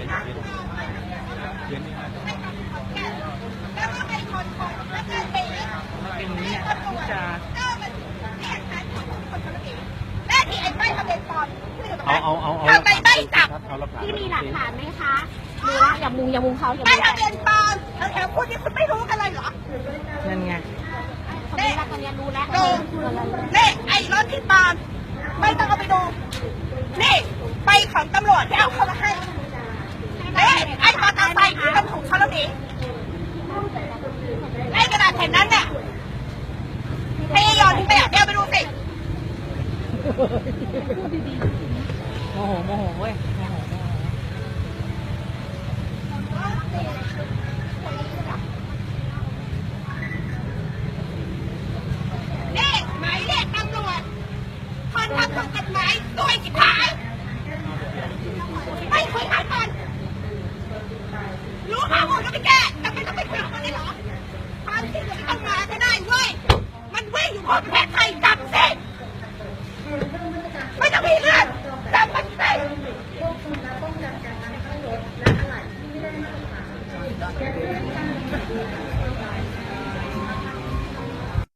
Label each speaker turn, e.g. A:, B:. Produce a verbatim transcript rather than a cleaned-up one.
A: แล้วก็ให้คนคนแล้วก็ตีเป็นเนี่ยที่จะแม่ที่ไอ้ใบทะเบียนปลอมเอาเอาเอาเอาทำไมไม่จับที่มีหลักฐานไหมคะดูละอย่ามุงอย่ามุงเขาอย่ามุงใบทะเบียนปลอมแถวคุณนี่คุณไม่รู้กันเลยเหรอนั่นไงเน่ตอนนี้รู้แล้วดูเน่ไอ้รถที่ปลอมไม่ต้องเอาไปดูนี่ไปของตำรวจที่เอาเข้ามาให้เน่ไอ้มอเตอร์ไซค์ที่มันถูกเขาแล้วหนีไอ้กระดาษแผ่นนั้นเนี่ยให้ยอนที่ไปอ่ะเดี๋ยวไปดูสิโมโหโมโหเว้ยโมโหโมโหนี่หมายเลขตำรวจคนทำถูกกฎหมายตัวจิ๋หายไม่คุยหายก่อนรู้ข้อมูลก็ไม่แก้แต่ไม่ต้องไปคุยกับมันได้หรอความจริงมันต้องมาก็ได้เว้ยมันวิ่งอยู่บนประเทศไทยจับสิไม่ต้องมีเรื่องจับมันสิ